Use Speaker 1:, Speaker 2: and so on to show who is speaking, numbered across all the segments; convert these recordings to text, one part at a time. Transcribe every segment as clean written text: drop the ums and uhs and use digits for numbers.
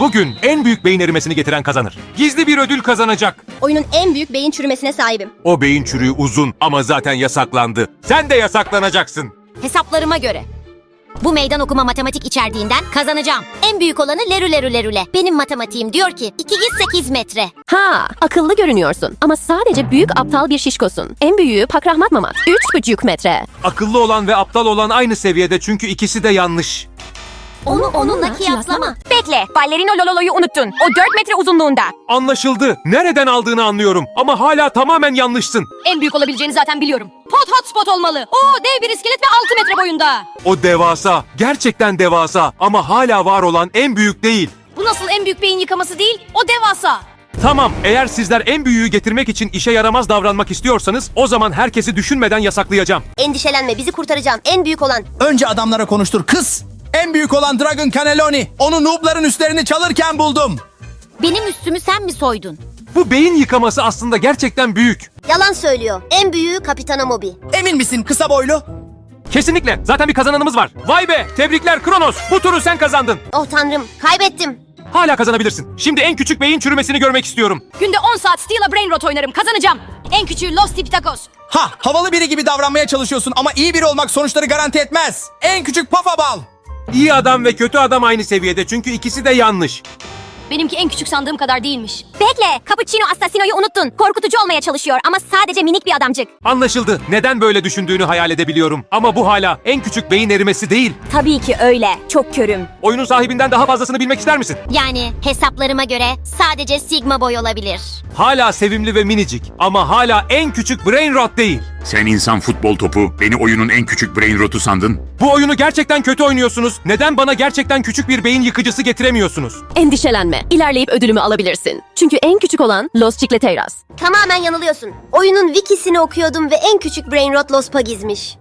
Speaker 1: Bugün en büyük beyin erimesini getiren kazanır. Gizli bir ödül kazanacak.
Speaker 2: Oyunun en büyük beyin çürümesine sahibim.
Speaker 1: O beyin çürüğü uzun ama zaten yasaklandı. Sen de yasaklanacaksın.
Speaker 3: Hesaplarıma göre. Bu meydan okuma matematik içerdiğinden kazanacağım. En büyük olanı lerülerülerüle. Benim matematiğim diyor ki 208 metre.
Speaker 4: Ha, akıllı görünüyorsun ama sadece büyük aptal bir şişkosun. En büyüğü Pakrahmat Mamat. 3,5 metre.
Speaker 1: Akıllı olan ve aptal olan aynı seviyede çünkü ikisi de yanlış.
Speaker 3: Onu onunla kıyaslama.
Speaker 5: Bekle, ballerino lololoyu unuttun. O 4 metre uzunluğunda.
Speaker 1: Anlaşıldı. Nereden aldığını anlıyorum ama hala tamamen yanlışsın.
Speaker 5: En büyük olabileceğini zaten biliyorum. Pot hotspot olmalı. O dev bir iskelet ve 6 metre boyunda.
Speaker 1: O devasa, gerçekten devasa ama hala var olan en büyük değil.
Speaker 5: Bu nasıl en büyük beyin yıkaması değil? O devasa.
Speaker 1: Tamam, eğer sizler en büyüğü getirmek için işe yaramaz davranmak istiyorsanız o zaman herkesi düşünmeden yasaklayacağım.
Speaker 2: Endişelenme, bizi kurtaracağım. En büyük olan.
Speaker 6: Önce adamlara konuştur kız. En büyük olan Dragon Cannelloni. Onu noobların üstlerini çalırken buldum.
Speaker 3: Benim üstümü sen mi soydun?
Speaker 1: Bu beyin yıkaması aslında gerçekten büyük.
Speaker 2: Yalan söylüyor. En büyüğü Kapitano Moby.
Speaker 6: Emin misin kısa boylu?
Speaker 1: Kesinlikle. Zaten bir kazananımız var. Vay be! Tebrikler Kronos. Bu turu sen kazandın.
Speaker 2: Oh tanrım, kaybettim.
Speaker 1: Hala kazanabilirsin. Şimdi en küçük beyin çürümesini görmek istiyorum.
Speaker 5: Günde 10 saat Steel'a Brain Rot oynarım. Kazanacağım. En küçüğü Los Tipitakos.
Speaker 6: Ha, havalı biri gibi davranmaya çalışıyorsun ama iyi biri olmak sonuçları garanti etmez. En küçük Pafa Bal.
Speaker 1: İyi adam ve kötü adam aynı seviyede çünkü ikisi de yanlış.
Speaker 5: Benimki en küçük sandığım kadar değilmiş.
Speaker 3: Bekle, Cappuccino Assassino'yu unuttun. Korkutucu olmaya çalışıyor ama sadece minik bir adamcık.
Speaker 1: Anlaşıldı. Neden böyle düşündüğünü hayal edebiliyorum. Ama bu hala en küçük beyin erimesi değil.
Speaker 5: Tabii ki öyle. Çok körüm.
Speaker 1: Oyunun sahibinden daha fazlasını bilmek ister misin?
Speaker 3: Yani hesaplarıma göre sadece Sigma boy olabilir.
Speaker 1: Hala sevimli ve minicik ama hala en küçük brain rot değil.
Speaker 7: Sen insan futbol topu, beni oyunun en küçük brain rotu sandın.
Speaker 1: Bu oyunu gerçekten kötü oynuyorsunuz. Neden bana gerçekten küçük bir beyin yıkıcısı getiremiyorsunuz?
Speaker 4: Endişelenme. İlerleyip ödülümü alabilirsin. Çünkü en küçük olan Los Chicleteiras.
Speaker 2: Tamamen yanılıyorsun. Oyunun wikisini okuyordum ve en küçük Brain Rot Los Pug'izmiş.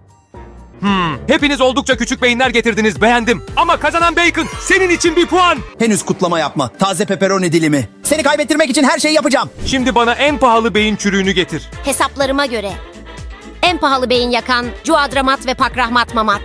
Speaker 1: Hepiniz oldukça küçük beyinler getirdiniz, beğendim. Ama kazanan Bacon, senin için bir puan.
Speaker 6: Henüz kutlama yapma. Taze pepperoni dilimi. Seni kaybettirmek için her şeyi yapacağım.
Speaker 1: Şimdi bana en pahalı beyin çürüğünü getir.
Speaker 3: Hesaplarıma göre. En pahalı beyin yakan Cuadramat ve Pakrahmat Mamat.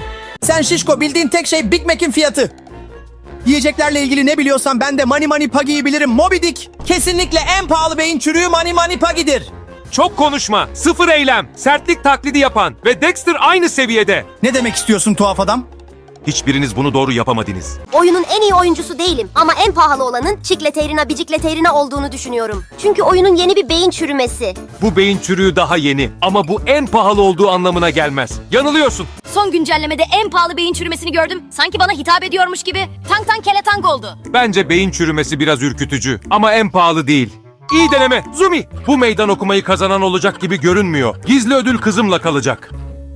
Speaker 6: Sen şişko, bildiğin tek şey Big Mac'in fiyatı. Yiyeceklerle ilgili ne biliyorsan ben de Mani Mani Puggy'yi bilirim. Moby Dick. Kesinlikle en pahalı beyin çürüğü Mani Mani Puggy'dir.
Speaker 1: Çok konuşma, sıfır eylem, sertlik taklidi yapan ve Dexter aynı seviyede.
Speaker 6: Ne demek istiyorsun tuhaf adam?
Speaker 1: Hiçbiriniz bunu doğru yapamadınız.
Speaker 2: Oyunun en iyi oyuncusu değilim ama en pahalı olanın Chicleteirina Bicicleteirina olduğunu düşünüyorum. Çünkü oyunun yeni bir beyin çürümesi.
Speaker 1: Bu beyin çürüğü daha yeni ama bu en pahalı olduğu anlamına gelmez. Yanılıyorsun.
Speaker 5: Son güncellemede en pahalı beyin çürümesini gördüm. Sanki bana hitap ediyormuş gibi. Tank tank kele tank oldu.
Speaker 1: Bence beyin çürümesi biraz ürkütücü ama en pahalı değil. İyi deneme. Zumi, bu meydan okumayı kazanan olacak gibi görünmüyor. Gizli ödül kızımla kalacak.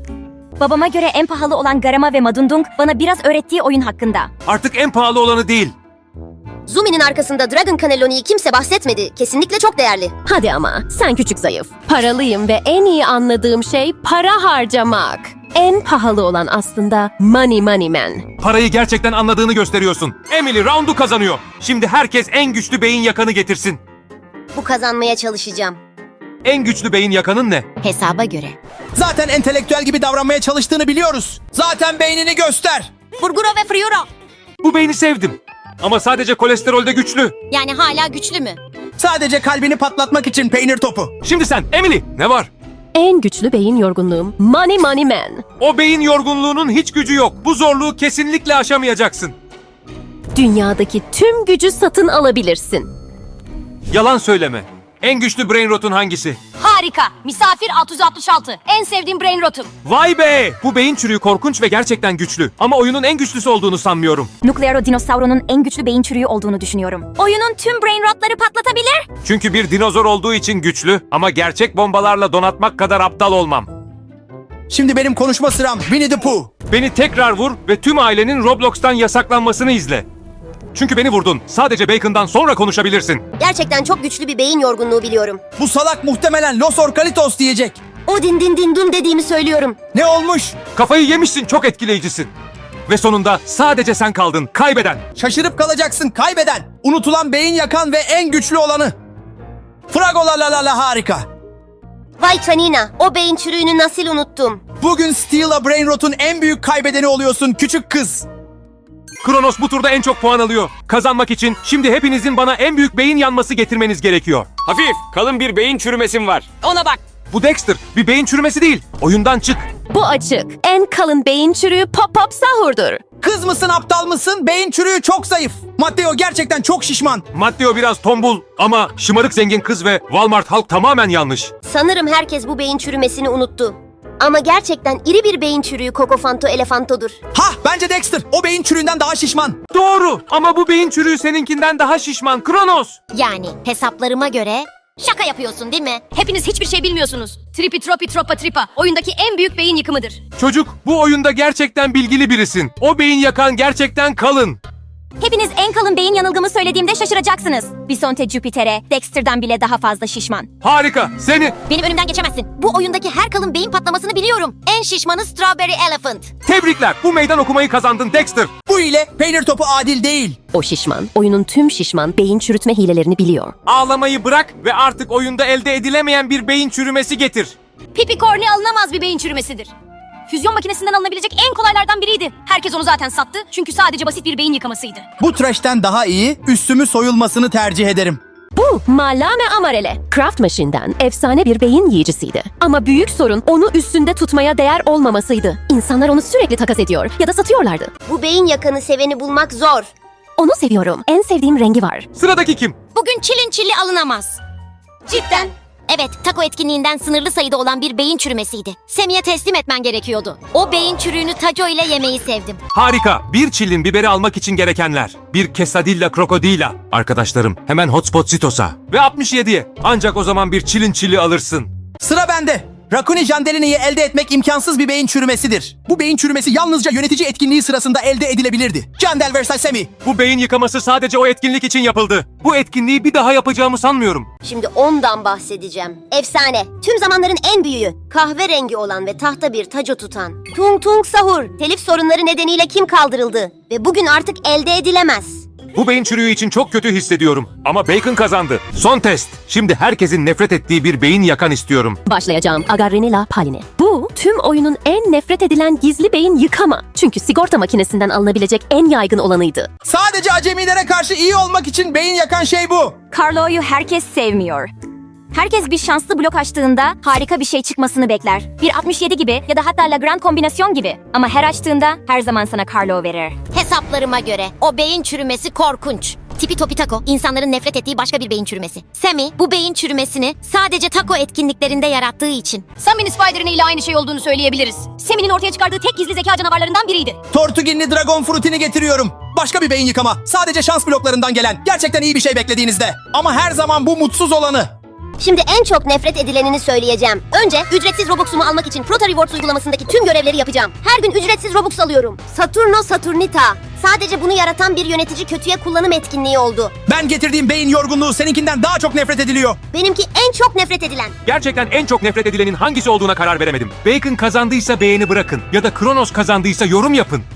Speaker 5: Babama göre en pahalı olan Garama ve Madundung bana biraz öğrettiği oyun hakkında.
Speaker 1: Artık en pahalı olanı değil.
Speaker 2: Zumi'nin arkasında Dragon Cannelloni'yi kimse bahsetmedi. Kesinlikle çok değerli.
Speaker 4: Hadi ama sen küçük zayıf. Paralıyım ve en iyi anladığım şey para harcamak. En pahalı olan aslında Money Money Man.
Speaker 1: Parayı gerçekten anladığını gösteriyorsun. Emily roundu kazanıyor. Şimdi herkes en güçlü beyin yakanı getirsin.
Speaker 2: Bu kazanmaya çalışacağım.
Speaker 1: En güçlü beyin yakanın ne?
Speaker 3: Hesaba göre.
Speaker 6: Zaten entelektüel gibi davranmaya çalıştığını biliyoruz. Zaten beynini göster.
Speaker 5: Burguro ve Friuro.
Speaker 1: Bu beyni sevdim. Ama sadece kolesterolde güçlü.
Speaker 3: Yani hala güçlü mü?
Speaker 6: Sadece kalbini patlatmak için peynir topu.
Speaker 1: Şimdi sen Emily ne var?
Speaker 4: En güçlü beyin yorgunluğum Money Money Man.
Speaker 1: O beyin yorgunluğunun hiç gücü yok. Bu zorluğu kesinlikle aşamayacaksın.
Speaker 4: Dünyadaki tüm gücü satın alabilirsin.
Speaker 1: Yalan söyleme. En güçlü brain rotun hangisi?
Speaker 5: Harika. Misafir 666. En sevdiğim Brain Rot'um.
Speaker 1: Vay be! Bu beyin çürüğü korkunç ve gerçekten güçlü. Ama oyunun en güçlüsü olduğunu sanmıyorum.
Speaker 5: Nuclearo Dinosauro'nun en güçlü beyin çürüğü olduğunu düşünüyorum. Oyunun tüm Brain Rot'ları patlatabilir.
Speaker 1: Çünkü bir dinozor olduğu için güçlü ama gerçek bombalarla donatmak kadar aptal olmam.
Speaker 6: Şimdi benim konuşma sıram. Winnie the Pooh.
Speaker 1: Beni tekrar vur ve tüm ailenin Roblox'tan yasaklanmasını izle. Çünkü beni vurdun. Sadece Bacon'dan sonra konuşabilirsin.
Speaker 2: Gerçekten çok güçlü bir beyin yorgunluğu biliyorum.
Speaker 6: Bu salak muhtemelen Los Orcalitos diyecek.
Speaker 2: O din din din dum dediğimi söylüyorum.
Speaker 6: Ne olmuş?
Speaker 1: Kafayı yemişsin, çok etkileyicisin. Ve sonunda sadece sen kaldın, kaybeden.
Speaker 6: Şaşırıp kalacaksın, kaybeden. Unutulan beyin yakan ve en güçlü olanı. Fragola la la la harika.
Speaker 2: Vay canina, o beyin çürüğünü nasıl unuttum?
Speaker 6: Bugün Steel'a Brain Rot'un en büyük kaybedeni oluyorsun küçük kız.
Speaker 1: Kronos bu turda en çok puan alıyor. Kazanmak için şimdi hepinizin bana en büyük beyin yanması getirmeniz gerekiyor.
Speaker 8: Hafif, kalın bir beyin çürümesim var.
Speaker 5: Ona bak.
Speaker 1: Bu Dexter, bir beyin çürümesi değil. Oyundan çık.
Speaker 4: Bu açık. En kalın beyin çürüğü Pop Pop Sahur'dur.
Speaker 6: Kız mısın aptal mısın? Beyin çürüğü çok zayıf. Matteo gerçekten çok şişman.
Speaker 1: Matteo biraz tombul ama şımarık zengin kız ve Walmart halk tamamen yanlış.
Speaker 2: Sanırım herkes bu beyin çürümesini unuttu. Ama gerçekten iri bir beyin çürüğü Kokofanto Elefanto'dur.
Speaker 6: Hah, bence Dexter. O beyin çürüğünden daha şişman.
Speaker 1: Doğru ama bu beyin çürüğü seninkinden daha şişman. Kronos.
Speaker 3: Yani hesaplarıma göre şaka yapıyorsun değil mi?
Speaker 5: Hepiniz hiçbir şey bilmiyorsunuz. Tripi tropi tropa tripa oyundaki en büyük beyin yıkımıdır.
Speaker 1: Çocuk, bu oyunda gerçekten bilgili birisin. O beyin yakan gerçekten kalın.
Speaker 3: Hepiniz en kalın beyin yanılgımı söylediğimde şaşıracaksınız. Bisonte Jupiter'e Dexter'dan bile daha fazla şişman.
Speaker 1: Harika, seni
Speaker 3: Benim önümden geçemezsin. Bu oyundaki her kalın beyin patlamasını biliyorum. En şişmanı Strawberry Elephant.
Speaker 1: tebrikler. Bu meydan okumayı kazandın Dexter.
Speaker 6: Bu ile peynir topu adil değil.
Speaker 4: O şişman, oyunun tüm şişman beyin çürütme hilelerini biliyor.
Speaker 1: Ağlamayı bırak ve artık oyunda elde edilemeyen bir beyin çürümesi getir.
Speaker 5: Pipi kornea alınamaz bir beyin çürümesidir. Füzyon makinesinden alınabilecek en kolaylardan biriydi. Herkes onu zaten sattı çünkü sadece basit bir beyin yıkamasıydı.
Speaker 6: Bu trash'ten daha iyi, üstümü soyulmasını tercih ederim.
Speaker 4: Bu Malame Amarele. Craft Machine'den efsane bir beyin yiyicisiydi. Ama büyük sorun onu üstünde tutmaya değer olmamasıydı. İnsanlar onu sürekli takas ediyor ya da satıyorlardı.
Speaker 2: Bu beyin yakanı seveni bulmak zor.
Speaker 4: Onu seviyorum. En sevdiğim rengi var.
Speaker 1: Sıradaki kim?
Speaker 3: Bugün çilin çili alınamaz.
Speaker 5: Cidden.
Speaker 3: Evet, taco etkinliğinden sınırlı sayıda olan bir beyin çürümesiydi. Semi'ye teslim etmen gerekiyordu. O beyin çürüğünü taco ile yemeyi sevdim.
Speaker 1: Harika. Bir çilin biberi almak için gerekenler. Bir quesadilla krokodila. Arkadaşlarım hemen Hotspot Zitos'a. Ve 67'ye. Ancak o zaman bir çilin çili alırsın.
Speaker 6: Sıra bende. Rakuni Jandelini'yi elde etmek imkansız bir beyin çürümesidir. Bu beyin çürümesi yalnızca yönetici etkinliği sırasında elde edilebilirdi. Jandel vs. Semi.
Speaker 1: Bu beyin yıkaması sadece o etkinlik için yapıldı. Bu etkinliği bir daha yapacağımı sanmıyorum.
Speaker 2: Şimdi ondan bahsedeceğim. Efsane. Tüm zamanların en büyüğü. Kahverengi olan ve tahta bir taco tutan. Tung Tung Sahur. Telif sorunları nedeniyle kim kaldırıldı? Ve bugün artık elde edilemez.
Speaker 1: Bu beyin çürüğü için çok kötü hissediyorum. Ama Bacon kazandı. Son test. Şimdi herkesin nefret ettiği bir beyin yakan istiyorum.
Speaker 4: Başlayacağım. Agarrenila Paline. Bu tüm oyunun en nefret edilen gizli beyin yıkama. Çünkü sigorta makinesinden alınabilecek en yaygın olanıydı.
Speaker 6: Sadece acemilere karşı iyi olmak için beyin yakan şey bu.
Speaker 3: Carlo'yu herkes sevmiyor. Herkes bir şanslı blok açtığında harika bir şey çıkmasını bekler. Bir 67 gibi ya da hatta Lagrange kombinasyon gibi. Ama her açtığında her zaman sana Carlo verir. Hesaplarıma göre o beyin çürümesi korkunç. Tipi topi taco, insanların nefret ettiği başka bir beyin çürümesi. Semi bu beyin çürümesini sadece taco etkinliklerinde yarattığı için.
Speaker 5: Sami'nin Spider'ın ile aynı şey olduğunu söyleyebiliriz. Sami'nin ortaya çıkardığı tek gizli zeka canavarlarından biriydi.
Speaker 6: Tortuginli Dragon Fruit'ini getiriyorum. Başka bir beyin yıkama. Sadece şans bloklarından gelen. Gerçekten iyi bir şey beklediğinizde. Ama her zaman bu mutsuz olanı.
Speaker 2: Şimdi en çok nefret edilenini söyleyeceğim. Önce ücretsiz Robux'umu almak için Prota Rewards uygulamasındaki tüm görevleri yapacağım. Her gün ücretsiz Robux alıyorum. Saturno Saturnita. Sadece bunu yaratan bir yönetici kötüye kullanım etkinliği oldu.
Speaker 6: Ben getirdiğim beyin yorgunluğu seninkinden daha çok nefret ediliyor.
Speaker 2: Benimki en çok nefret edilen.
Speaker 1: Gerçekten en çok nefret edilenin hangisi olduğuna karar veremedim. Bacon kazandıysa beğeni bırakın. Ya da Kronos kazandıysa yorum yapın.